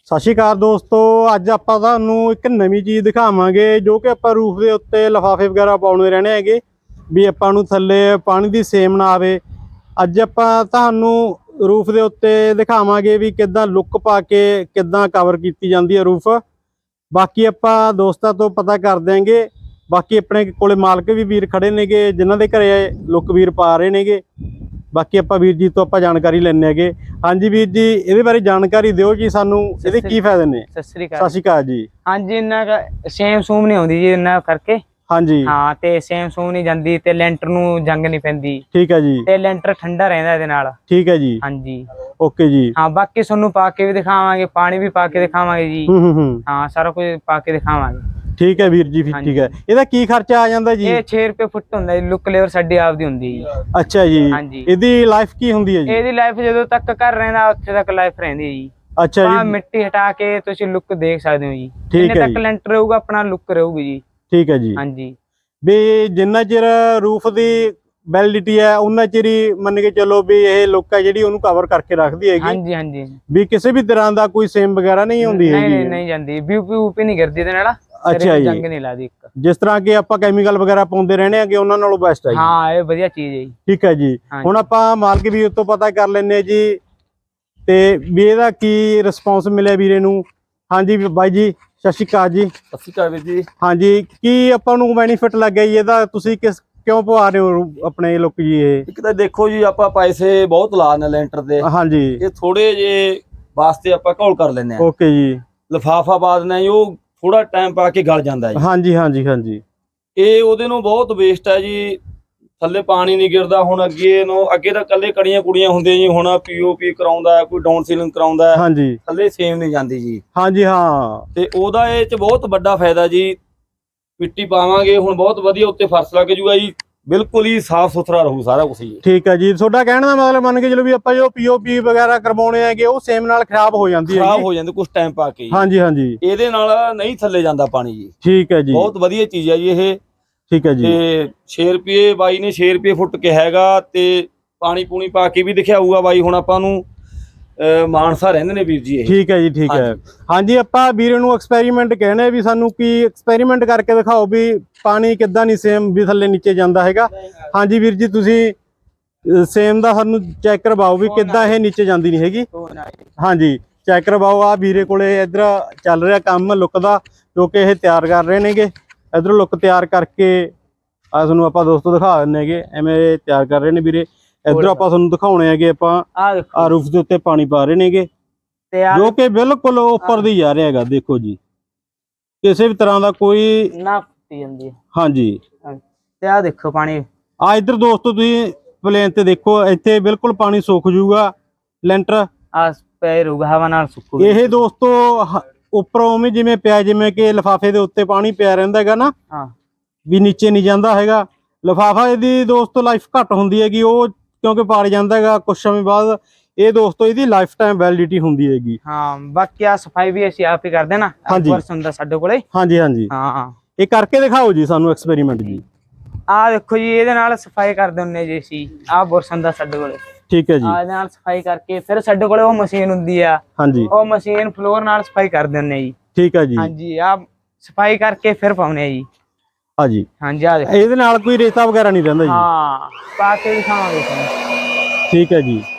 ਸਤਿ ਸ਼੍ਰੀ ਅਕਾਲ ਦੋਸਤੋ, ਅੱਜ ਆਪਾਂ ਤੁਹਾਨੂੰ ਇੱਕ ਨਵੀਂ ਚੀਜ਼ ਦਿਖਾਵਾਂਗੇ ਜੋ ਕਿ ਆਪਾਂ ਰੂਫ ਦੇ ਉੱਤੇ ਲਿਫਾਫੇ ਵਗੈਰਾ ਪਾਉਣੇ ਰਹਿਣੇ ਹੈਗੇ ਵੀ ਆਪਾਂ ਨੂੰ ਥੱਲੇ ਪਾਣੀ ਦੀ ਸੇਮ ਨਾ ਆਵੇ। ਅੱਜ ਆਪਾਂ ਤੁਹਾਨੂੰ ਰੂਫ ਦੇ ਉੱਤੇ ਦਿਖਾਵਾਂਗੇ ਵੀ ਕਿੱਦਾਂ ਲੁੱਕ ਪਾ ਕੇ ਕਿੱਦਾਂ ਕਵਰ ਕੀਤੀ ਜਾਂਦੀ ਹੈ ਰੂਫ। ਬਾਕੀ ਆਪਾਂ ਦੋਸਤਾਂ ਤੋਂ ਪਤਾ ਕਰ ਦਿਆਂਗੇ। ਬਾਕੀ ਆਪਣੇ ਕੋਲੇ ਮਾਲਕ ਵੀ ਵੀਰ ਖੜੇ ਨੇਗੇ ਜਿਨ੍ਹਾਂ ਦੇ ਘਰੇ ਲੁੱਕ ਵੀਰ ਪਾ ਰਹੇ ਨੇਗੇ। ਬਾਕੀ ਆਪਾਂ ਵੀਰ ਜੀ ਤੋਂ ਆਪਾਂ ਜਾਣਕਾਰੀ ਲੈਣੇ ਹੈਗੇ। ਹਾਂਜੀ ਵੀਰ ਜੀ, ਇਹਦੇ ਬਾਰੇ ਜਾਣਕਾਰੀ ਦਿਓ ਜੀ ਸਾਨੂੰ, ਇਹਦੇ ਕੀ ਫਾਇਦੇ ਨੇ। ਸਤਿ ਸ੍ਰੀ ਅਕਾਲ ਜੀ। ਹਾਂਜੀ, ਇੰਨਾ ਸੇਮ ਸੂਮ ਨਹੀਂ ਆਉਂਦੀ ਜੀ ਇੰਨਾ ਕਰਕੇ। ਹਾਂਜੀ ਹਾਂ, ਤੇ ਸੇਮ ਸੂਮ ਨਹੀਂ ਜਾਂਦੀ ਤੇ ਲੈਂਟਰ ਨੂੰ ਜੰਗ ਨਹੀਂ ਪੈਂਦੀ। ਠੀਕ ਹੈ ਜੀ। ਤੇ ਲੈਂਟਰ ਠੰਡਾ ਰਹਿੰਦਾ ਇਹਦੇ ਨਾਲ। ਠੀਕ ਹੈ ਜੀ। ਹਾਂਜੀ ਓਕੇ ਜੀ। ਹਾਂ, ਬਾਕੀ ਤੁਹਾਨੂੰ ਪਾ ਕੇ ਵੀ ਦਿਖਾਵਾਂਗੇ, ਪਾਣੀ ਵੀ ਪਾ ਕੇ ਦਿਖਾਵਾਂਗੇ ਜੀ। ਹਾਂ, ਸਾਰਾ ਕੁਝ ਪਾ ਕੇ ਦਿਖਾਵਾਂਗੇ। ਠੀਕ ਹੈ ਵੀਰ ਜੀ, ਠੀਕ ਹੈ। ਇਹਦਾ ਕੀ ਖਰਚਾ ਆ ਜਾਂਦਾ ਜੀ? ਇਹ 6 ਰੁਪਏ ਫੁੱਟ ਹੁੰਦਾ ਜੀ। ਲੁੱਕ ਲੇਵਰ ਸਾਡੀ ਆਪਦੀ ਹੁੰਦੀ ਜੀ। ਅੱਛਾ ਜੀ। ਹਾਂਜੀ, ਇਹਦੀ ਲਾਈਫ ਕੀ ਹੁੰਦੀ ਹੈ ਜੀ? ਇਹਦੀ ਲਾਈਫ ਜਦੋਂ ਤੱਕ ਘਰ ਰਹਿੰਦਾ ਉੱਥੇ ਤੱਕ ਲਾਈਫ ਰਹਿੰਦੀ ਹੈ ਜੀ। ਅੱਛਾ ਜੀ। ਮਿੱਟੀ ਹਟਾ ਕੇ ਤੁਸੀਂ ਲੁੱਕ ਦੇਖ ਸਕਦੇ ਹੋ ਜੀ। ਠੀਕ ਹੈ ਜਿੰਨੇ ਤੱਕ ਲੈਂਟਰ ਰਹੂਗਾ ਆਪਣਾ ਲੁੱਕ ਰਹੂਗੀ ਜੀ। ਠੀਕ ਹੈ ਜੀ। ਹਾਂਜੀ, ਵੀ ਜਿੰਨਾ ਚਿਰ ਰੂਫ ਦੀ ਵੈਲਿਡਿਟੀ ਹੈ ਉਹਨਾਂ ਚਿਰ ਹੀ ਮੰਨ ਕੇ ਚੱਲੋ ਵੀ ਇਹ ਲੁੱਕ ਹੈ ਜਿਹੜੀ ਉਹਨੂੰ ਕਵਰ ਕਰਕੇ ਰੱਖਦੀ ਹੈਗੀ। ਹਾਂਜੀ ਹਾਂਜੀ, ਵੀ ਕਿਸੇ ਵੀ ਤਰ੍ਹਾਂ ਦਾ ਕੋਈ ਸੇਮ ਵਗੈਰਾ ਨਹੀਂ ਹੁੰਦੀ ਹੈਗੀ। ਨਹੀਂ ਜਾਂਦੀ, ਵੀ ਨਹੀਂ ਕਰਦੀ ਇਹਦੇ ਨਾਲ। ਅੱਛਾ ਜੀ। ਜੰਗ ਨਹੀਂ ਲਾਦੀ ਇੱਕ। ਜਿਸ ਤਰ੍ਹਾਂ ਕਿ ਆਪਾਂ ਕੈਮੀਕਲ ਵਗੈਰਾ ਪਾਉਂਦੇ ਰਹਿਣੇ ਆਗੇ ਉਹਨਾਂ ਨਾਲੋਂ ਬੈਸਟ ਹੈ ਜੀ। ਹਾਂ, ਇਹ ਵਧੀਆ ਚੀਜ਼ ਹੈ ਜੀ। ਠੀਕ ਹੈ ਜੀ। ਹੁਣ ਆਪਾਂ ਮਾਲਕ ਵੀਰ ਤੋਂ ਪਤਾ ਕਰ ਲੈਣੇ ਜੀ ਤੇ ਵੀ ਇਹਦਾ ਕੀ ਰਿਸਪੌਂਸ ਮਿਲਿਆ ਵੀਰੇ ਨੂੰ। ਹਾਂਜੀ ਬਾਈ ਜੀ, ਸਤਿ ਸ਼੍ਰੀ ਅਕਾਲ ਜੀ। ਸਤਿ ਸ਼੍ਰੀ ਅਕਾਲ ਵੀਰ ਜੀ। ਹਾਂਜੀ, ਕੀ ਆਪਾਂ ਨੂੰ ਬੈਨੀਫਿਟ ਲੱਗਿਆ ਜੀ ਇਹਦਾ? ਤੁਸੀਂ ਕਿਉਂ ਪਵਾ ਰਹੇ ਹੋ ਆਪਣੇ ਲੁੱਕ ਜੀ? ਇਹ ਇੱਕ ਤਾਂ ਦੇਖੋ ਜੀ, ਆਪਾਂ ਪੈਸੇ ਬਹੁਤ ਲਾ ਨੇ ਲੈਂਟਰ ਦੇ। ਹਾਂਜੀ, ਇਹ ਥੋੜੇ ਜੇ ਵਾਸਤੇ ਆਪਾਂ ਘੋਲ ਕਰ ਲੈਨੇ ਆ। ਓਕੇ ਜੀ। ਲਿਫਾਫਾ ਪਾ ਦਿੰਦੇ ਆ, ਉਹ ਥੋੜਾ ਟਾਈਮ ਪਾ ਕੇ ਗਲ ਜਾਂਦਾ ਜੀ। ਹਾਂਜੀ ਹਾਂਜੀ ਹਾਂਜੀ, ਇਹ ਉਹਦੇ ਨੂੰ ਬਹੁਤ ਵੇਸਟ ਹੈ ਜੀ। ਥੱਲੇ ਪਾਣੀ ਨਹੀਂ ਗਿਰਦਾ। ਹੁਣ ਅੱਗੇ ਤਾਂ ਕੱਲੇ ਕੜੀਆਂ ਕੁੜੀਆਂ ਹੁੰਦੀਆਂ ਜੀ। ਹੁਣ ਪੀਓਪੀ ਕਰਾਉਂਦਾ, ਕੋਈ ਡਾਊਨ ਸੀਲਿੰਗ ਕਰਾਉਂਦਾ। ਹਾਂਜੀ, ਥੱਲੇ ਸੇਮ ਨਹੀਂ ਜਾਂਦੀ ਜੀ। ਹਾਂਜੀ ਹਾਂ। ਤੇ ਉਹਦਾ ਇਹ ਚ ਬਹੁਤ ਵੱਡਾ ਫਾਇਦਾ ਜੀ। ਮਿੱਟੀ ਪਾਵਾਂਗੇ ਹੁਣ ਬਹੁਤ ਵਧੀਆ ਉੱਤੇ ਫਰਸ਼ ਲੱਗ ਜੂਗਾ ਜੀ। ਬਿਲਕੁਲ ਹੀ ਸਾਫ ਸੁਥਰਾ ਰਹੂ ਸਾਰਾ ਕੁਝ ਜੀ। ਠੀਕ ਹੈ ਜੀ। ਤੁਹਾਡਾ ਕਹਿਣ ਦਾ ਮਤਲਬ ਮੰਨ ਕੇ ਚਲੋ ਵੀ ਆਪਾਂ ਜੋ ਪੀਓਪੀ ਵਗੈਰਾ ਕਰਵਾਉਣੇ ਹੈਗੇ ਉਹ ਸੇਮ ਨਾਲ ਖਰਾਬ ਹੋ ਜਾਂਦੀ ਹੈ। ਖਰਾਬ ਹੋ ਜਾਂਦੇ ਕੁਝ ਟਾਈਮ ਪਾ ਕੇ। ਹਾਂਜੀ ਹਾਂਜੀ, ਇਹਦੇ ਨਾਲ ਨਹੀਂ ਥੱਲੇ ਜਾਂਦਾ ਪਾਣੀ ਜੀ। ਠੀਕ ਹੈ ਜੀ। ਬਹੁਤ ਵਧੀਆ ਚੀਜ਼ ਹੈ ਜੀ ਇਹ। ਠੀਕ ਹੈ ਜੀ। ਤੇ 6 ਰੁਪਏ ਬਾਈ ਨੇ 6 ਰੁਪਏ ਫੁੱਟ ਕਿਹਾ ਹੈਗਾ। ਤੇ ਪਾਣੀ ਪੂਣੀ ਪਾ ਕੇ ਵੀ ਦਿਖਾਊਗਾ ਬਾਈ। ਹੁਣ ਆਪਾਂ ਨੂੰ ਮਾਨਸਾ ਰਹਿੰਦੇ ਨੇ ਵੀਰ ਜੀ ਇਹ। ਠੀਕ ਹੈ ਜੀ। ਠੀਕ ਹੈ। ਹਾਂਜੀ, ਆਪਾਂ ਵੀਰੇ ਨੂੰ ਐਕਸਪੈਰੀਮੈਂਟ ਕਹਿਣੇ ਵੀ ਸਾਨੂੰ ਕੀ ਐਕਸਪੈਰੀਮੈਂਟ ਕਰਕੇ ਦਿਖਾਓ ਵੀ ਪਾਣੀ ਕਿੱਦਾਂ ਨਹੀਂ ਸੇਮ ਵੀ ਥੱਲੇ ਨੀਚੇ ਜਾਂਦਾ ਹੈਗਾ। ਹਾਂਜੀ ਵੀਰ ਜੀ, ਤੁਸੀਂ ਸੇਮ ਦਾ ਸਾਨੂੰ ਚੈੱਕ ਕਰਵਾਓ ਵੀ ਕਿੱਦਾਂ ਇਹ ਨੀਚੇ ਜਾਂਦੀ ਨਹੀਂ ਹੈਗੀ। ਹਾਂਜੀ, ਚੈੱਕ ਕਰਵਾਓ। ਆ ਵੀਰੇ ਕੋਲੇ ਇੱਧਰ ਚੱਲ ਰਿਹਾ ਕੰਮ ਲੁੱਕ ਦਾ ਜੋ ਕਿ ਇਹ ਤਿਆਰ ਕਰ ਰਹੇ ਨੇਗੇ। ਇੱਧਰੋਂ ਲੁੱਕ ਤਿਆਰ ਕਰਕੇ ਆ ਤੁਹਾਨੂੰ ਆਪਾਂ ਦੋਸਤੋ ਦਿਖਾ ਦਿੰਦੇ ਹੈਗੇ। ਐਵੇਂ ਤਿਆਰ ਕਰ ਰਹੇ ਨੇ ਵੀਰੇ। ਇੱਧਰੋਂ ਆਪਾਂ ਤੁਹਾਨੂੰ ਦਿਖਾਉਣੇ ਹੈਗੇ। ਆਪਾਂ ਆ ਰੂਫ ਦੇ ਉੱਤੇ ਪਾਣੀ ਪਾ ਰਹੇ ਨੇਗੇ ਜੋ ਕਿ ਬਿਲਕੁਲ ਉੱਪਰ ਦੀ ਜਾ ਰਿਹਾ ਹੈਗਾ। ਦੇਖੋ ਜੀ, ਕਿਸੇ ਵੀ ਤਰ੍ਹਾਂ ਦਾ ਕੋਈ ਨਾ ਪੀ ਜਾਂਦੀ ਹੈ। ਹਾਂਜੀ, ਤੇ ਆ ਦੇਖੋ ਪਾਣੀ। ਆ ਇੱਧਰ ਦੋਸਤੋ ਤੁਸੀਂ ਪਲੇਨ ਤੇ ਦੇਖੋ, ਇੱਥੇ ਬਿਲਕੁਲ ਪਾਣੀ ਸੁੱਕ ਜੂਗਾ। ਲੈਂਟਰ ਆ ਪੈ ਰਹੂਗਾ, ਹਵਾ ਨਾਲ ਸੁੱਕੂਗਾ। ਇਹ ਦੋਸਤੋ ਉੱਪਰੋਂ ਉਵੇਂ ਜਿਵੇਂ ਪਿਆ, ਜਿਵੇਂ ਕਿ ਲਿਫਾਫੇ ਦੇ ਉੱਤੇ ਪਾਣੀ ਪਿਆ ਰਹਿੰਦਾ ਹੈਗਾ ਨਾ, ਵੀ ਨੀਚੇ ਨਹੀਂ ਜਾਂਦਾ ਹੈਗਾ ਲਿਫਾਫਾ। ਇਹਦੀ ਦੋਸਤੋ ਲਾਈਫ ਘੱਟ ਹੁੰਦੀ ਹੈਗੀ ਉਹ ਕਿਉਂਕਿ ਪਾੜ ਜਾਂਦਾ ਹੈਗਾ ਕੁਝ ਸਮੇਂ ਬਾਅਦ। ਇਹ ਦੋਸਤੋ ਇਹਦੀ ਲਾਈਫ ਟਾਈਮ ਵੈਲਿਡਿਟੀ ਹੁੰਦੀ ਹੈਗੀ। ਹਾਂ, ਬਾਕੀ ਆ ਸਫਾਈ ਵੀ ਅਸੀਂ ਆਪ ਹੀ ਕਰਦੇ ਨਾ। ਬੁਰਸ਼ ਹੁੰਦਾ ਸਾਡੇ ਕੋਲੇ। ਹਾਂਜੀ ਹਾਂਜੀ, ਹਾਂ, ਇਹ ਕਰਕੇ ਦਿਖਾਓ ਜੀ ਸਾਨੂੰ ਐਕਸਪੈਰੀਮੈਂਟ ਜੀ। ਆ ਦੇਖੋ ਜੀ, ਇਹਦੇ ਨਾਲ ਸਫਾਈ ਕਰਦੇ ਹੁੰਦੇ ਜੀ ਅਸੀਂ। ਆ ਬੁਰਸ਼ ਹੁੰਦਾ ਸਾਡੇ ਕੋਲੇ। ਠੀਕ ਹੈ ਜੀ। ਇਹਦੇ ਨਾਲ ਸਫਾਈ ਕਰਕੇ ਫਿਰ ਸਾਡੇ ਕੋਲੇ ਉਹ ਮਸ਼ੀਨ ਹੁੰਦੀ ਆ। ਹਾਂਜੀ, ਉਹ ਮਸ਼ੀਨ ਫਲੋਰ ਨਾਲ ਸਫਾਈ ਕਰ ਦਿੰਦੇ ਜੀ। ਠੀਕ ਹੈ ਜੀ। ਹਾਂਜੀ, ਆ ਸਫਾਈ ਕਰਕੇ ਫਿਰ ਪਾਉਨੇ ਆ ਜੀ। ਹਾਂਜੀ ਹਾਂਜੀ, ਆ ਦੇਖੋ ਇਹਦੇ ਨਾਲ ਕੋਈ ਰੇਤਾ ਵਗੈਰਾ ਨਹੀਂ ਰਹਿੰਦਾ ਜੀ। ਹਾਂ, ਪਾ ਕੇ ਦਿਖਾਵਾਂਗੇ ਤੁਹਾਨੂੰ। ਠੀਕ ਹੈ ਜੀ।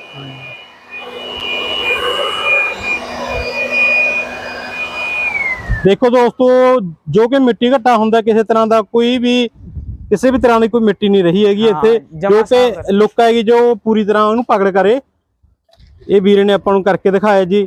ਦੇਖੋ ਦੋਸਤੋ, ਜੋ ਕਿ ਮਿੱਟੀ ਘੱਟਾ ਹੁੰਦਾ ਕਿਸੇ ਤਰ੍ਹਾਂ ਦਾ ਕਿਸੇ ਵੀ ਤਰ੍ਹਾਂ ਦੀ ਕੋਈ ਮਿੱਟੀ ਨਹੀਂ ਰਹੀ ਹੈਗੀ ਇੱਥੇ। ਜੋ ਕਿ ਲੁੱਕ ਹੈਗੀ ਜੋ ਪੂਰੀ ਤਰ੍ਹਾਂ ਉਹਨੂੰ ਪਕੜ ਕਰੇ। ਇਹ ਵੀਰੇ ਨੇ ਆਪਾਂ ਨੂੰ ਕਰਕੇ ਦਿਖਾਇਆ ਜੀ।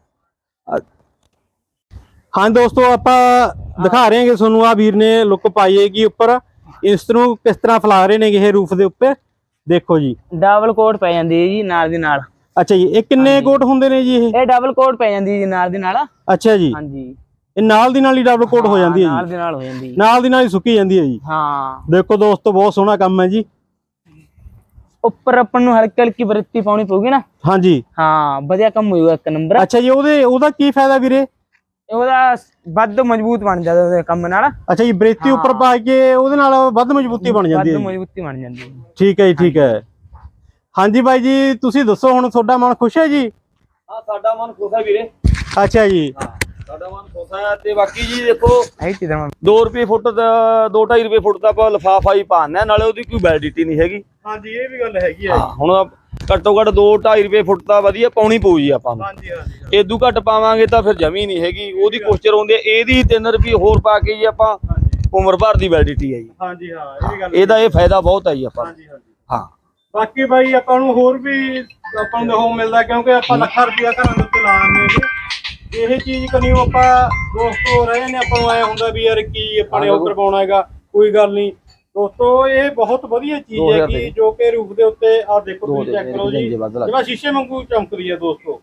ਹਾਂ ਦੋਸਤੋ, ਆਪਾਂ ਦਿਖਾ ਰਹੇ ਹਾਂ ਤੁਹਾਨੂੰ। ਆ ਵੀਰ ਨੇ ਲੁੱਕ ਪਾਈ ਹੈਗੀ ਉੱਪਰ। ਇਸ ਨੂੰ ਕਿਸ ਤਰ੍ਹਾਂ ਫੈਲਾ ਰਹੇ ਨੇ ਇਹ ਰੂਫ ਦੇ ਉੱਪਰ। ਦੇਖੋ ਜੀ, ਡਬਲ ਕੋਟ ਪੈ ਜਾਂਦੀ ਹੈ ਜੀ ਨਾਲ ਦੀ ਨਾਲ। ਅੱਛਾ ਜੀ, ਇਹ ਕਿੰਨੇ ਕੋਟ ਹੁੰਦੇ ਨੇ ਜੀ? ਇਹ ਡਬਲ ਕੋਟ ਪੈ ਜਾਂਦੀ ਜੀ ਨਾਲ ਦੀ ਨਾਲ। ਅੱਛਾ ਜੀ। ਹਾਂਜੀ, ਇਹ ਨਾਲ ਦੀ ਨਾਲ ਹੀ ਡਬਲ ਕੋਟ ਹੋ ਜਾਂਦੀ ਹੈ ਜੀ। ਨਾਲ ਦੀ ਨਾਲ ਹੋ ਜਾਂਦੀ, ਨਾਲ ਦੀ ਨਾਲ ਹੀ ਸੁੱਕੀ ਜਾਂਦੀ ਹੈ ਜੀ। ਹਾਂ, ਦੇਖੋ ਦੋਸਤੋ, ਬਹੁਤ ਸੋਹਣਾ ਕੰਮ ਹੈ ਜੀ। ਉੱਪਰ ਆਪਾਂ ਨੂੰ ਹਲਕੀ ਹਲਕੀ ਬਰੇਤੀ ਪਾਉਣੀ ਪਊਗੀ ਨਾ। ਹਾਂਜੀ ਹਾਂ, ਵਧੀਆ ਕੰਮ ਹੋਊਗਾ ਇੱਕ ਨੰਬਰ। ਅੱਛਾ ਜੀ, ਉਹਦਾ ਕੀ ਫਾਇਦਾ ਵੀਰੇ? ਉਹਦਾ ਵੱਧ ਮਜ਼ਬੂਤ ਬਣ ਜਾਂਦਾ ਉਹਦੇ ਕੰਮ ਨਾਲ। ਅੱਛਾ ਜੀ, ਬਰੇਤੀ ਉੱਪਰ ਪਾ ਕੇ ਉਹਦੇ ਨਾਲ ਵੱਧ ਮਜ਼ਬੂਤੀ ਬਣ ਜਾਂਦੀ ਹੈ। ਵੱਧ ਮਜ਼ਬੂਤੀ ਬਣ ਜਾਂਦੀ ਹੈ। ਠੀਕ ਹੈ ਜੀ, ਠੀਕ ਹੈ। ਹਾਂਜੀ ਬਾਈ ਜੀ, ਤੁਸੀਂ ਦੱਸੋ ਹੁਣ ਤੁਹਾਡਾ ਮਨ ਖੁਸ਼ ਹੈ ਜੀ? ਹਾਂ, ਸਾਡਾ ਮਨ ਖੁਸ਼ ਹੈ ਵੀਰੇ। ਅੱਛਾ ਜੀ। ਹਾਂ ਸਾਡਾ ਮਨ ਖੁਸ਼ ਹੈ। ਤੇ ਬਾਕੀ ਜੀ ਦੇਖੋ ਇਹ ਚੀਜ਼ਾਂ 2 ਰੁਪਏ ਫੁੱਟ ਦਾ 2.5 ਰੁਪਏ ਫੁੱਟ ਦਾ ਆਪਾਂ ਲਿਫਾਫਾ ਹੀ ਪਾਉਂਦੇ, ਨਾਲੇ ਉਹਦੀ ਕੋਈ ਵੈਲਿਡਿਟੀ ਨਹੀਂ ਹੈਗੀ। ਹਾਂਜੀ ਇਹ ਵੀ ਗੱਲ ਹੈਗੀ ਆ ਹਾਂ ਹੁਣ ਘੱਟੋ ਘੱਟ 2-2.5 ਰੁਪਏ ਫੁੱਟ ਤਾਂ ਵਧੀਆ ਪਾਉਣੀ ਪਊ ਜੀ ਆਪਾਂ ਨੂੰ। ਹਾਂਜੀ ਹਾਂਜੀ ਇਦੋਂ ਘੱਟ ਪਾਵਾਂਗੇ ਤਾਂ ਫਿਰ ਜਮੀ ਨਹੀਂ ਹੈਗੀ, ਉਹਦੀ ਕੋਸ਼ਚਰ ਆਉਂਦੀ ਹੈ। ਇਹਦੀ 3 ਰੁਪਏ ਹੋਰ ਪਾ ਕੇ ਜੀ ਆਪਾਂ ਉਮਰ ਭਰ ਦੀ ਵੈਲਿਡਿਟੀ ਹੈ ਜੀ। ਹਾਂਜੀ ਹਾਂ ਇਹ ਵੀ ਗੱਲ ਇਹਦਾ ਇਹ ਫਾਇਦਾ ਬਹੁਤ ਹੈ ਜੀ ਆਪਾਂ ਨੂੰ। ਹਾਂਜੀ ਹਾਂਜੀ। ਹਾਂ ਬਾਕੀ ਬਾਈ ਆਪਾਂ ਨੂੰ ਹੋਰ ਵੀ ਆਪਾਂ ਨੂੰ ਉਹ ਮਿਲਦਾ, ਕਿਉਂਕਿ ਆਪਾਂ ਲੱਖਾਂ ਰੁਪਇਆ ਘਰਾਂ ਦੇ ਉੱਤੇ ਲਾ ਦਿੰਦੇ ਹੈਗੇ। ਇਹ ਚੀਜ਼ ਕਨੀ ਆਪਾਂ ਦੋਸਤੋ ਰਹੇ ਨੇ, ਆਪਾਂ ਨੂੰ ਐ ਹੁੰਦਾ ਵੀ ਯਾਰ ਕੀ ਆਪਾਂ ਨੇ ਉਹ ਕਰਵਾਉਣਾ ਹੈਗਾ, ਕੋਈ ਗੱਲ ਨਹੀਂ ਦੋਸਤੋ। ਇਹ ਬਹੁਤ ਵਧੀਆ ਚੀਜ਼ ਹੈ ਕਿ ਜੋ ਕਿ ਰੂਪ ਦੇ ਉੱਤੇ ਆ ਦੇਖੋ ਤੁਸੀਂ ਚੈੱਕ ਕਰੋ ਜੀ, ਜਿਵੇਂ ਸ਼ੀਸ਼ੇ ਵਾਂਗੂ ਚਮਕਦੀ ਹੈ ਦੋਸਤੋ।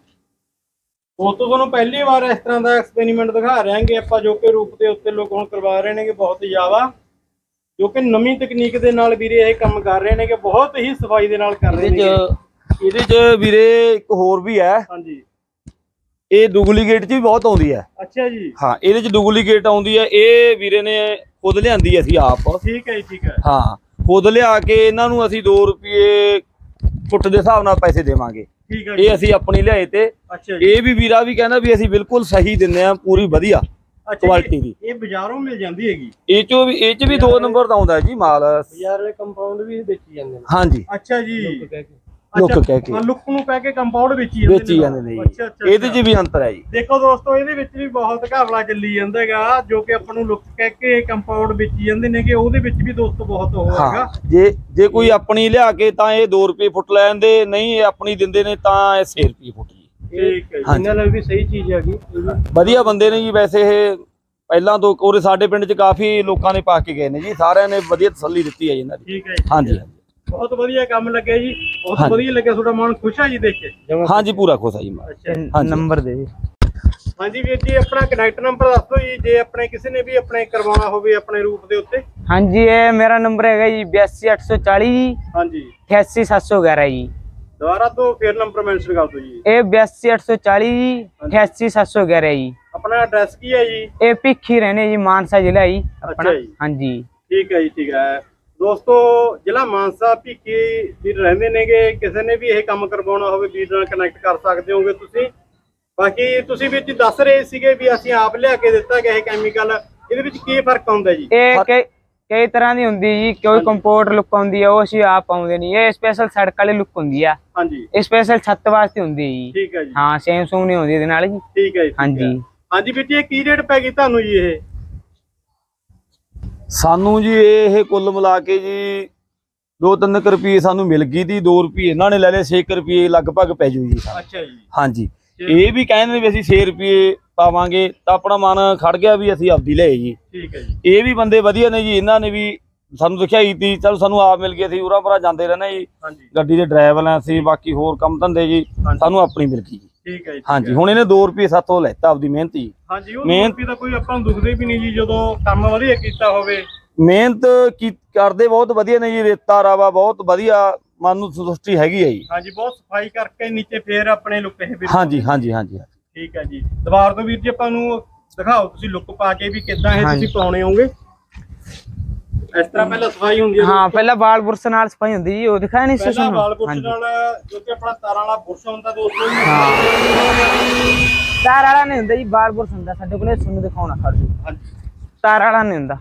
ਤੁਹਾਨੂੰ ਪਹਿਲੀ ਵਾਰ ਇਸ ਤਰ੍ਹਾਂ ਦਾ ਐਕਸਪੈਰੀਮੈਂਟ ਦਿਖਾ ਰਹੇ ਹਾਂਗੇ ਆਪਾਂ, ਜੋ ਕਿ ਰੂਪ ਦੇ ਉੱਤੇ ਲੋਕ ਹੁਣ ਕਰਵਾ ਰਹੇ ਨੇਗੇ ਬਹੁਤ ਜ਼ਿਆਦਾ, ਜੋ ਕਿ ਨਵੀਂ ਤਕਨੀਕ ਦੇ ਨਾਲ ਵੀਰੇ ਇਹ ਕੰਮ ਕਰ ਰਹੇ ਨੇ, ਕਿ ਬਹੁਤ ਹੀ ਸਫਾਈ ਦੇ ਨਾਲ ਕਰ ਰਹੇ ਨੇ। ਇਹਦੇ ਚ ਵੀਰੇ ਇੱਕ ਹੋਰ ਵੀ ਹੈ। ਹਾਂਜੀ ਇਹ ਡੁਪਲੀਕੇਟ ਚ ਵੀ ਬਹੁਤ ਆਉਂਦੀ ਹੈ। ਅੱਛਾ ਜੀ। ਹਾਂ ਇਹਦੇ ਚ ਡੁਪਲੀਕੇਟ ਆਉਂਦੀ ਹੈ। ਇਹ ਵੀਰੇ ਨੇ ਖੁਦ ਲਿਆਂਦੀ ਅਸੀਂ ਆਪ। ਠੀਕ ਹੈ ਜੀ ਠੀਕ ਹੈ। ਹਾਂ ਖੁਦ ਲਿਆ ਕੇ ਇਹਨਾਂ ਨੂੰ ਅਸੀਂ 2 ਰੁਪਏ ਫੁੱਟ ਦੇ ਹਿਸਾਬ ਨਾਲ ਪੈਸੇ ਦੇਵਾਂਗੇ। ਠੀਕ ਹੈ ਇਹ ਅਸੀਂ ਆਪਣੀ ਲਿਆਏ ਤੇ। ਅੱਛਾ ਜੀ। ਇਹ ਵੀ ਵੀਰਾ ਵੀ ਕਹਿੰਦਾ ਵੀ ਅਸੀਂ ਬਿਲਕੁਲ ਸਹੀ ਦਿੰਦੇ ਆ, ਪੂਰੀ ਵਧੀਆ ਕੁਆਲਿਟੀ ਦੀ। ਇਹ ਬਾਜ਼ਾਰੋਂ ਮਿਲ ਜਾਂਦੀ ਹੈਗੀ? ਇਹ ਚ ਵੀ 2 ਨੰਬਰ ਦਾ ਆਉਂਦਾ ਜੀ ਮਾਲ। ਬਾਜ਼ਾਰ ਵਾਲੇ ਕੰਪਾਊਂਡ ਵੀ ਵੇਚੀ ਜਾਂਦੇ ਨੇ? ਹਾਂਜੀ। ਅੱਛਾ ਜੀ। ਲੁੱਕ ਕਹਿ ਕੇ ਲੁੱਕ ਨੂੰ ਕਹਿ ਕੇ ਕੰਪਾਊਂਡ ਵੇਚੀ ਜਾਂਦੇ ਨੇ। ਅੱਛਾ ਅੱਛਾ। ਇਹਦੇ ਚ ਵੀ ਅੰਤਰ ਹੈ ਜੀ। ਦੇਖੋ ਦੋਸਤੋ ਇਹਦੇ ਵਿੱਚ ਵੀ ਬਹੁਤ ਘਪਲਾ ਚੱਲੀ ਜਾਂਦਾ ਹੈਗਾ, ਜੋ ਕਿ ਆਪਾਂ ਨੂੰ ਲੁੱਕ ਕਹਿ ਕੇ ਕੰਪਾਊਂਡ ਵੇਚੀ ਜਾਂਦੇ ਨੇ, ਕਿ ਉਹਦੇ ਵਿੱਚ ਵੀ ਦੋਸਤੋ ਬਹੁਤ ਉਹ ਹੈਗਾ। ਜੇ ਕੋਈ ਆਪਣੀ ਲਿਆ ਕੇ ਤਾਂ ਇਹ 2 ਰੁਪਏ ਫੁੱਟ ਲੈਂਦੇ, ਨਹੀਂ ਇਹ ਆਪਣੀ ਦਿੰਦੇ ਨੇ ਤਾਂ ਇਹ 6 ਰੁਪਏ ਫੁੱਟ ਜੀ। ਠੀਕ ਹੈ ਜੀ। ਇਹਨਾਂ ਨਾਲ ਵੀ ਸਹੀ ਚੀਜ਼ ਹੈਗੀ, ਵਧੀਆ ਬੰਦੇ ਨੇ ਜੀ ਵੈਸੇ ਇਹ। ਪਹਿਲਾਂ ਤੋਂ ਉਹਦੇ ਸਾਡੇ ਪਿੰਡ 'ਚ ਕਾਫੀ ਲੋਕਾਂ ਨੇ ਪਾ ਕੇ ਗਏ ਨੇ ਜੀ, ਸਾਰਿਆਂ ਨੇ ਵਧੀਆ ਤਸੱਲੀ ਦਿੱਤੀ ਹੈ ਜੀ ਇਹਨਾਂ ਦੀ। ਠੀਕ ਹੈ ਜੀ। ਹਾਂਜੀ ਬਹੁਤ ਵਧੀਆ ਕੰਮ ਲੱਗਿਆ ਜੀ, ਬਹੁਤ ਵਧੀਆ ਲੱਗਿਆ। ਤੁਹਾਡਾ ਮਨ ਖੁਸ਼ ਹੈ ਜੀ ਦੇਖ ਕੇ? ਹਾਂਜੀ ਪੂਰਾ ਖੁਸ਼ ਹੈ ਜੀ। ਅੱਛਾ ਨੰਬਰ ਦੇ ਜੀ। ਹਾਂਜੀ ਵੀਰ ਜੀ ਆਪਣਾ ਕਨੈਕਟ ਨੰਬਰ ਦੱਸ ਦਿਓ ਜੀ, ਜੇ ਆਪਣੇ ਕਿਸੇ ਨੇ ਵੀ ਆਪਣੇ ਕਰਵਾਉਣਾ ਹੋਵੇ ਆਪਣੇ ਰੂਪ ਦੇ ਉੱਤੇ। ਹਾਂਜੀ ਇਹ ਮੇਰਾ ਨੰਬਰ ਹੈਗਾ ਜੀ 82840 ਜੀ। ਹਾਂਜੀ 88711 ਜੀ। ਦੁਬਾਰਾ ਤੋਂ ਫੇਰ ਨੰਬਰ ਮੈਂਸ਼ਨ ਕਰ ਦਿਓ ਜੀ। ਇਹ 82840 ਜੀ 88711 ਜੀ। ਆਪਣਾ ਐਡਰੈਸ ਕੀ ਹੈ ਜੀ? ਇਹ ਭਿੱਖੀ ਰਹਿਣੇ ਜੀ, ਮਾਨਸਾ ਜ਼ਿਲ੍ਹਾ ਜੀ ਆਪਣਾ। ਜੀ। ਹਾਂਜੀ ਠੀਕ ਹੈ ਜੀ ਠੀਕ ਹੈ ਦੋਸਤੋ, ਜ਼ਿਲ੍ਹਾ ਮਾਨਸਾ ਭਿੱਖੀ ਵੀਰ ਰਹਿੰਦੇ ਨੇਗੇ। ਕਿਸੇ ਨੇ ਵੀ ਇਹ ਕੰਮ ਕਰਵਾਉਣਾ ਹੋਵੇ ਵੀਰ ਨਾਲ ਕਨੈਕਟ ਕਰ ਸਕਦੇ ਹੋਗੇ ਤੁਸੀਂ। ਬਾਕੀ ਤੁਸੀਂ ਵੀਰ ਜੀ ਦੱਸ ਰਹੇ ਸੀਗੇ ਵੀ ਅਸੀਂ ਆਪ ਲਿਆ ਕੇ ਦਿੱਤਾ ਗਿਆ ਇਹ ਕੈਮੀਕਲ, ਇਹਦੇ ਵਿੱਚ ਕੀ ਫਰਕ ਹੁੰਦਾ ਜੀ? ਇਹ ਕਈ ਤਰ੍ਹਾਂ ਦੀ ਹੁੰਦੀ ਜੀ, ਕੋਈ ਕੰਪੋਰਟ ਲੁੱਕ ਆਉਂਦੀ ਹੈ, ਉਹ ਅਸੀਂ ਆਪ ਪਾਉਂਦੇ ਨਹੀਂ। ਇਹ ਸਪੈਸ਼ਲ ਸੜਕ ਵਾਲੀ ਲੁੱਕ ਹੁੰਦੀ ਆ। ਹਾਂਜੀ ਇਹ ਸਪੈਸ਼ਲ ਛੱਤ ਵਾਸਤੇ ਹੁੰਦੀ ਹੈ ਜੀ। ਠੀਕ ਹੈ ਜੀ। ਹਾਂ ਸੈਮਸੰਗ ਨਹੀਂ ਹੁੰਦੀ ਇਹਦੇ ਨਾਲ ਜੀ। ਠੀਕ ਹੈ ਜੀ। ਹਾਂਜੀ ਹਾਂਜੀ ਵੀਰ ਜੀ ਇਹ ਕੀ ਰੇਟ ਪੈ ਗਈ ਤੁਹਾਨੂੰ ਜੀ? ਇਹ ਸਾਨੂੰ ਜੀ ਇਹ ਕੁੱਲ ਮਿਲਾ ਕੇ ਜੀ 2-3 ਰੁਪਏ ਸਾਨੂੰ ਮਿਲ ਗਈ ਤੀ। 2 ਰੁਪਏ ਇਹਨਾਂ ਨੇ ਲੈ ਲਏ, 6 ਰੁਪਏ ਲਗਭਗ ਪੈ ਜੂ ਜੀ। ਅੱਛਾ ਜੀ। ਹਾਂਜੀ ਇਹ ਵੀ ਕਹਿੰਦੇ ਨੇ ਵੀ ਅਸੀਂ 6 ਰੁਪਏ ਪਾਵਾਂਗੇ, ਤਾਂ ਆਪਣਾ ਮਨ ਖੜ ਗਿਆ ਵੀ ਅਸੀਂ ਆਪਦੀ ਲਏ ਜੀ। ਠੀਕ ਹੈ ਜੀ। ਇਹ ਵੀ ਬੰਦੇ ਵਧੀਆ ਨੇ ਜੀ, ਇਹਨਾਂ ਨੇ ਵੀ ਸਾਨੂੰ ਦਿਖਾਈ ਤੀ। ਚਲੋ ਸਾਨੂੰ ਆਪ ਮਿਲ ਗਈ, ਅਸੀਂ ਉਰਾਂ ਪਰਾਂ ਜਾਂਦੇ ਰਹਿੰਦੇ ਜੀ, ਹਾਂਜੀ ਗੱਡੀ ਦੇ ਡਰਾਈਵਰ ਆ ਅਸੀਂ, ਬਾਕੀ ਹੋਰ ਕੰਮ ਧੰਦੇ ਜੀ, ਸਾਨੂੰ ਆਪਣੀ ਮਿਲ ਗਈ ਜੀ। ਠੀਕ ਹੈ ਜੀ। ਹਾਂਜੀ ਹੁਣ ਇਹਨੇ 2 ਰੁਪਏ ਸਾਥੋਂ ਲੈਤਾ ਆਪਦੀ ਮਿਹਨਤ ਜੀ। ਹਾਂਜੀ ਉਹ 2 ਰੁਪਏ ਦਾ ਕੋਈ ਆਪਾਂ ਨੂੰ ਦੁਖਦੇ ਵੀ ਨਹੀਂ ਜੀ, ਜਦੋਂ ਕੰਮ ਵਧੀਆ ਕੀਤਾ ਹੋਵੇ। ਮਿਹਨਤ ਕਰਦੇ ਬਹੁਤ ਵਧੀਆ ਨੇ ਜੀ। ਰੇਤਾ ਰਾਵਾ ਬਹੁਤ ਵਧੀਆ, ਮਨ ਨੂੰ ਸੰਤੁਸ਼ਟੀ ਹੈਗੀ ਹੈ ਜੀ। ਹਾਂਜੀ ਬਹੁਤ ਸਫਾਈ ਕਰਕੇ ਨੀਚੇ ਫੇਰ ਆਪਣੇ ਲੁੱਕ ਇਹ ਵੀ। ਹਾਂਜੀ ਹਾਂਜੀ ਹਾਂਜੀ ਠੀਕ ਹੈ ਜੀ। ਦੁਬਾਰਾ ਤੋਂ ਵੀਰ ਜੀ ਆਪਾਂ ਨੂੰ ਦਿਖਾਓ ਤੁਸੀਂ ਲੁੱਕ ਪਾ ਕੇ ਵੀ ਕਿੱਦਾਂ ਇਹ ਤੁਸੀਂ ਪਾਉਣੇ ਹੋਗੇ। ਇਸ ਤਰ੍ਹਾਂ ਪਹਿਲਾਂ ਸਫਾਈ ਹੁੰਦੀ ਹੈ? ਹਾਂ ਪਹਿਲਾਂ ਵਾਲ ਬੁਰਸ਼ ਨਾਲ ਸਫਾਈ ਹੁੰਦੀ ਜੀ, ਉਹ ਦਿਖਾਇਆ ਨਹੀਂ ਸੀ ਪਹਿਲਾਂ ਤੁਹਾਨੂੰ? ਵਾਲ ਬੁਰਸ਼ ਨਾਲ, ਜੋ ਕਿ ਆਪਣਾ ਤਾਰਾਂ ਵਾਲਾ ਬੁਰਸ਼ ਹੁੰਦਾ ਦੋਸਤੋ। ਤਾਰ ਵਾਲਾ ਨਹੀਂ ਹੁੰਦਾ ਜੀ, ਵਾਲ ਬੁਰਸ਼ ਹੁੰਦਾ ਸਾਡੇ ਕੋਲ। ਤੁਹਾਨੂੰ ਦਿਖਾਉਣਾ ਖੜ ਜੂ। ਹਾਂਜੀ ਤਾਰ ਵਾਲਾ ਨਹੀਂ ਹੁੰਦਾ,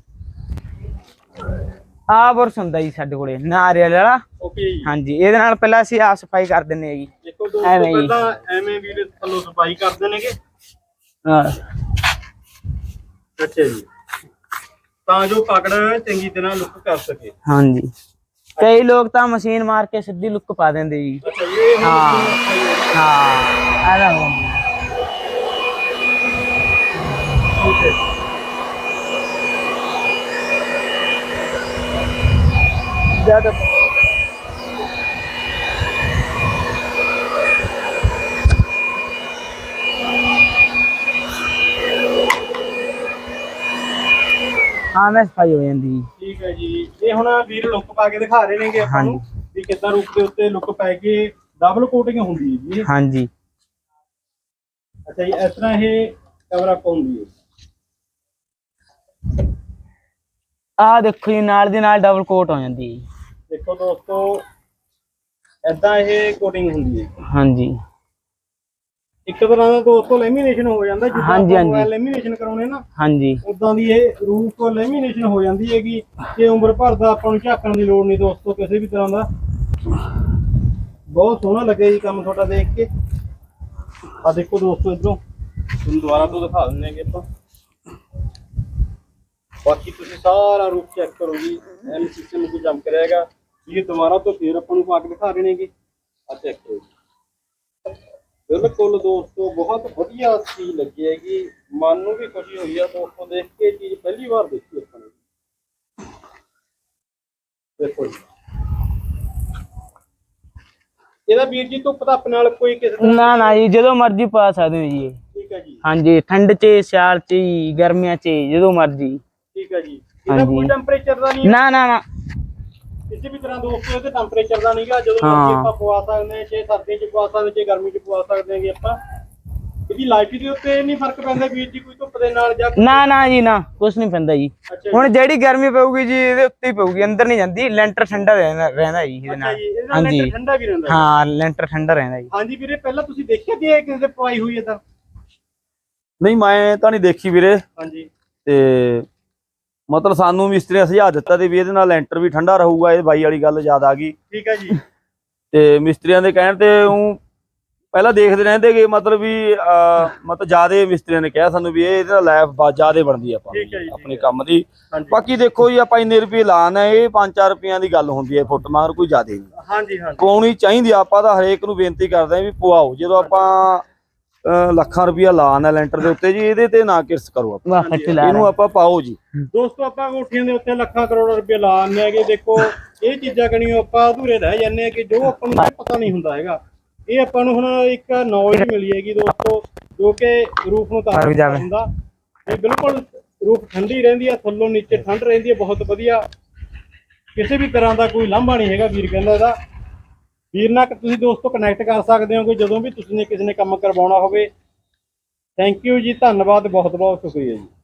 ਆਹ ਬੁਰਸ਼ ਹੁੰਦਾ ਜੀ ਸਾਡੇ ਕੋਲੇ, ਨਾਰੀਅਲ ਵਾਲਾ। ਓਕੇ ਜੀ। ਹਾਂਜੀ ਇਹਦੇ ਨਾਲ ਪਹਿਲਾਂ ਅਸੀਂ ਆਪ ਸਫਾਈ ਕਰ ਦਿੰਨੇ ਆ ਜੀ। ਦੇਖੋ ਦੋਸਤੋ ਪਹਿਲਾਂ ਐਵੇਂ ਵੀਰ ਥੱਲੋਂ ਸਫਾਈ ਕਰਦੇ ਨੇਗੇ। ਹਾਂ ਅੱਛਾ ਜੀ, ਤਾਂ ਜੋ ਪਕੜ ਚੰਗੀ ਤਰ੍ਹਾਂ ਲੁੱਕ ਕਰ ਸਕੇ। ਹਾਂਜੀ ਕਈ ਲੋਕ ਤਾਂ ਮਸ਼ੀਨ ਮਾਰ ਕੇ ਸਿੱਧੀ ਲੁੱਕ ਪਾ ਦਿੰਦੇ ਜੀ। ਅੱਛਾ ਇਹ ਹਾਂ ਹਾਂ ਆਦਾ ਹੋ ਠੀਕ ਹੈ। ਜਿਆਦਾ ਹਾਂ ਮੈਂ ਸਫਾਈ ਹੋ ਜਾਂਦੀ ਜੀ। ਠੀਕ ਹੈ ਜੀ। ਇਹ ਹੁਣ ਵੀਰ ਲੁੱਕ ਪਾ ਕੇ ਦਿਖਾ ਰਹੇ ਨੇਗੇ ਆਪਾਂ ਨੂੰ ਵੀ ਕਿੱਦਾਂ ਰੂਪ ਦੇ ਉੱਤੇ ਲੁੱਕ ਪੈ ਕੇ ਡਬਲ ਕੋਟਿੰਗ ਹੁੰਦੀ ਹੈ ਜੀ। ਹਾਂਜੀ ਅੱਛਾ ਜੀ ਇਸ ਤਰ੍ਹਾਂ ਇਹ ਕਵਰ ਅਪ ਹੁੰਦੀ ਹੈ। ਆਹ ਦੇਖੋ ਜੀ ਨਾਲ ਦੀ ਨਾਲ ਡਬਲ ਕੋਟ ਹੋ ਜਾਂਦੀ ਹੈ। ਦੇਖੋ ਦੋਸਤੋ ਏਦਾਂ ਇਹ ਕੋਟਿੰਗ ਹੁੰਦੀ ਹੈ। ਹਾਂਜੀ ਇੱਕ ਤਰ੍ਹਾਂ ਦਾ ਦੋਸਤੋ ਲੈਮੀਨੇਸ਼ਨ ਹੋ ਜਾਂਦਾ ਹਾਂਜੀ, ਹਾਂਜੀ। ਆਪਾਂ ਲੈਮੀਨੇਸ਼ਨ ਕਰਾਉਣੇ ਨਾ ਹਾਂਜੀ ਉਦਾਂ ਦੀ ਇਹ ਰੂਫ ਲੈਮੀਨੇਸ਼ਨ ਹੋ ਜਾਂਦੀ ਹੈਗੀ ਕਿ ਉਮਰ ਭਰ ਦਾ ਆਪਾਂ ਨੂੰ ਝਾਕਣ ਦੀ ਲੋੜ ਨਹੀਂ ਦੋਸਤੋ ਕਿਸੇ ਵੀ ਤਰ੍ਹਾਂ ਦਾ। ਬਹੁਤ ਸੋਹਣਾ ਲੱਗਿਆ ਜੀ ਕੰਮ ਤੁਹਾਡਾ ਦੇਖ ਕੇ। ਆ ਦੇਖੋ ਦੋਸਤੋ ਇਧਰੋਂ ਤੁਹਾਨੂੰ ਦੁਬਾਰਾ ਤੋਂ ਦਿਖਾ ਦਿੰਦੇ ਹੈਗੇ ਆਪਾਂ। ਬਾਕੀ ਤੁਸੀਂ ਸਾਰਾ ਰੂਫ ਚੈੱਕ ਕਰੋ ਜੀ, ਐਨ ਸਿਸਟਮ ਨੂੰ ਚਮਕ ਰਿਹਾ ਹੈਗਾ। ਇਹ ਦੁਬਾਰਾ ਤੋਂ ਫੇਰ ਆਪਾਂ ਨੂੰ ਪਾ ਕੇ ਦਿਖਾ ਰਹੇ ਨੇਗੇ। ਆ ਚੈੱਕ ਕਰੋ ਜੀ, ਬਿਲਕੁਲ ਦੋਸਤੋ ਬਹੁਤ ਵਧੀਆ ਚੀਜ਼ ਲੱਗੀ ਹੈਗੀ। ਮਨ ਨੂੰ ਵੀ ਖੁਸ਼ੀ ਹੋਈ ਆ ਦੋਸਤੋ ਦੇਖ ਕੇ, ਚੀਜ਼ ਪਹਿਲੀ ਵਾਰ ਦੇਖੀ ਆਪਾਂ ਨੇ। ਦੇਖੋ ਜੀ ਇਹਦਾ ਵੀਰ ਜੀ ਧੁੱਪ ਧੱਪ ਨਾਲ ਕੋਈ ਕਿਸੇ ਤਰ੍ਹਾਂ ਨਾ ਨਾ ਜੀ ਜਦੋਂ ਮਰਜ਼ੀ ਪਾ ਸਕਦੇ ਹੋ ਜੀ ਇਹ। ਠੀਕ ਹੈ ਜੀ, ਹਾਂਜੀ ਠੰਡ 'ਚ ਸਿਆਲ 'ਚ ਜੀ, ਗਰਮੀਆਂ 'ਚ ਜਦੋਂ ਮਰਜ਼ੀ। ਠੀਕ ਹੈ ਜੀ। ਇਹਦਾ ਕੋਈ ਹਾਂਜੀ। ਟੈਂਪਰੇਚਰ ਦਾ ਨਹੀਂ ਨਾ ਨਾ ਨਾ ਕਿਸੇ ਵੀ ਤਰ੍ਹਾਂ ਦੋਸਤੋ ਇਹਦੇ ਟੈਂਪਰੇਚਰ ਦਾ ਨਹੀਂਗਾ। ਜਦੋਂ ਮਰਜ਼ੀ ਆਪਾਂ ਪਵਾ ਸਕਦੇ ਹਾਂ, ਚਾਹੇ ਸਰਦੀ 'ਚ ਪਵਾ ਸਕਦੇ, ਚਾਹੇ ਗਰਮੀ 'ਚ ਪਵਾ ਸਕਦੇ ਹੈਗੇ ਆਪਾਂ। ਇਹਦੀ ਲਾਈਟ ਦੇ ਉੱਤੇ ਨਹੀਂ ਫਰਕ ਪੈਂਦਾ ਵੀਰ ਜੀ ਕੋਈ ਧੁੱਪ ਦੇ ਨਾਲ ਜਾਂ ਨਾ ਨਾ ਜੀ ਨਾ ਕੁਛ ਨਹੀਂ ਪੈਂਦਾ ਜੀ। ਅੱਛਾ ਹੁਣ ਜਿਹੜੀ ਗਰਮੀ ਪਊਗੀ ਜੀ ਇਹਦੇ ਉੱਤੇ ਹੀ ਪਊਗੀ, ਅੰਦਰ ਨਹੀਂ ਜਾਂਦੀ। ਲੈਂਟਰ ਠੰਡਾ ਰਹਿੰਦਾ ਜੀ ਇਹਦੇ ਅੱਛਾ ਨਾਲ। ਜੀ, ਇਹਦੇ ਨਾਲ ਹਾਂਜੀ ਲੈਂਟਰ ਠੰਡਾ ਵੀ ਰਹਿੰਦਾ। ਹਾਂ ਲੈਂਟਰ ਠੰਡਾ ਰਹਿੰਦਾ ਜੀ। ਹਾਂਜੀ ਵੀਰੇ, ਪਹਿਲਾਂ ਤੁਸੀਂ ਦੇਖਿਆ ਕਿ ਇਹ ਕਿਸੇ ਦੇ ਪਵਾਈ ਹੋਈ ਹੈ ਤਾਂ? ਨਹੀਂ ਮੈਂ ਤਾਂ ਨਹੀਂ ਦੇਖੀ ਵੀਰੇ। ਹਾਂਜੀ ਤੇ ਮਤਲਬ ਸਾਨੂੰ ਮਿਸਤਰੀ ਨੇ ਸੁਝਾਅ ਦਿੱਤਾ ਤੇ ਵੀ ਇਹਦੇ ਨਾਲ ਲੈਂਟਰ ਵੀ ਠੰਡਾ ਰਹੂਗਾ। ਇਹ ਬਾਈ ਵਾਲੀ ਗੱਲ ਯਾਦ ਆ ਗਈ। ਠੀਕ ਹੈ ਜੀ। ਤੇ ਮਿਸਤਰੀਆਂ ਦੇ ਕਹਿਣ ਤੇ ਉਹ ਪਹਿਲਾਂ ਦੇਖਦੇ ਰਹਿੰਦੇ ਕਿ ਮਤਲਬ ਵੀ ਮਤਲਬ ਜਿਆਦੇ ਮਿਸਤਰੀਆਂ ਨੇ ਕਿਹਾ ਸਾਨੂੰ ਵੀ ਇਹਦੇ ਨਾਲ ਲਾਈਫ ਜਿਆਦੇ ਬਣਦੀ ਆ ਠੀਕ ਹੈ ਜੀ, ਆਪਣੇ ਕੰਮ ਦੀ। ਹਾਂਜੀ ਬਾਕੀ ਦੇਖੋ ਜੀ ਆਪਾਂ ਇੰਨੇ ਰੁਪਏ ਲਾਣ ਹੈ, ਇਹ 5-4 ਰੁਪਈਆਂ ਦੀ ਗੱਲ ਹੁੰਦੀ ਹੈ ਫੁੱਟ ਮਗਰ, ਕੋਈ ਜ਼ਿਆਦੇ ਨਹੀਂ ਹਾਂਜੀ ਹਾਂਜੀ ਪਵਾਉਣੀ ਚਾਹੀਦੀ ਆ। ਆਪਾਂ ਤਾਂ ਹਰੇਕ ਨੂੰ ਬੇਨਤੀ ਕਰਦੇ ਹਾਂ ਵੀ ਪਵਾਓ। ਜਦੋਂ ਆਪਾਂ ਲੱਖਾਂ ਰੁਪਇਆ ਲਾਣ ਹੈ ਲੈਂਟਰ ਦੇ ਉੱਤੇ ਜੀ, ਇਹਦੇ ਤੇ ਨਾ ਕਿਰਸ ਕਰੋ ਆਪਾਂ, ਵਾਹ ਫੱਟੀ ਲਾ ਇਹਨੂੰ ਆਪਾਂ ਪਾਓ ਜੀ। ਦੋਸਤੋ ਆਪਾਂ ਕੋਠੀਆਂ ਦੇ ਉੱਤੇ ਲੱਖਾਂ ਕਰੋੜ ਰੁਪਏ ਲਾ ਆਉਂਦੇ ਹੈਗੇ। ਦੇਖੋ ਇਹ ਚੀਜ਼ਾਂ ਕਣੀਓ ਆਪਾਂ ਅਧੂਰੇ ਰਹਿ ਜਾਂਦੇ ਆ ਕਿ ਜੋ ਆਪਾਂ ਨੂੰ ਪਤਾ ਨਹੀਂ ਹੁੰਦਾ ਹੈਗਾ। ਇਹ ਆਪਾਂ ਨੂੰ ਹੁਣ ਇੱਕ ਨੌਲੇਜ ਮਿਲੀ ਹੈਗੀ ਦੋਸਤੋ, ਜੋ ਕਿ ਰੂਫ ਨੂੰ ਤਾਰ ਹੁੰਦਾ। ਇਹ ਬਿਲਕੁਲ ਰੂਫ ਠੰਡੀ ਰਹਿੰਦੀ ਹੈ, ਥੱਲੋਂ ਨੀਚੇ ਠੰਡ ਰਹਿੰਦੀ ਹੈ, ਬਹੁਤ ਵਧੀਆ। ਕਿਸੇ ਵੀ ਤਰ੍ਹਾਂ ਦਾ ਕੋਈ ਲਾਂਭਾ ਨਹੀਂ ਹੈਗਾ ਵੀਰ ਕਹਿੰਦਾ ਇਹਦਾ। ਵੀਰ ਨਾਲ ਤੁਸੀਂ ਦੋਸਤੋ ਕਨੈਕਟ ਕਰ ਸਕਦੇ ਹੋ ਕਿ ਜਦੋਂ ਵੀ ਤੁਸੀਂ ਨੇ ਕਿਸੇ ਨੇ ਕੰਮ ਕਰਵਾਉਣਾ ਹੋਵੇ। ਥੈਂਕ ਯੂ ਜੀ, ਧੰਨਵਾਦ, ਬਹੁਤ ਬਹੁਤ ਸ਼ੁਕਰੀਆ ਜੀ।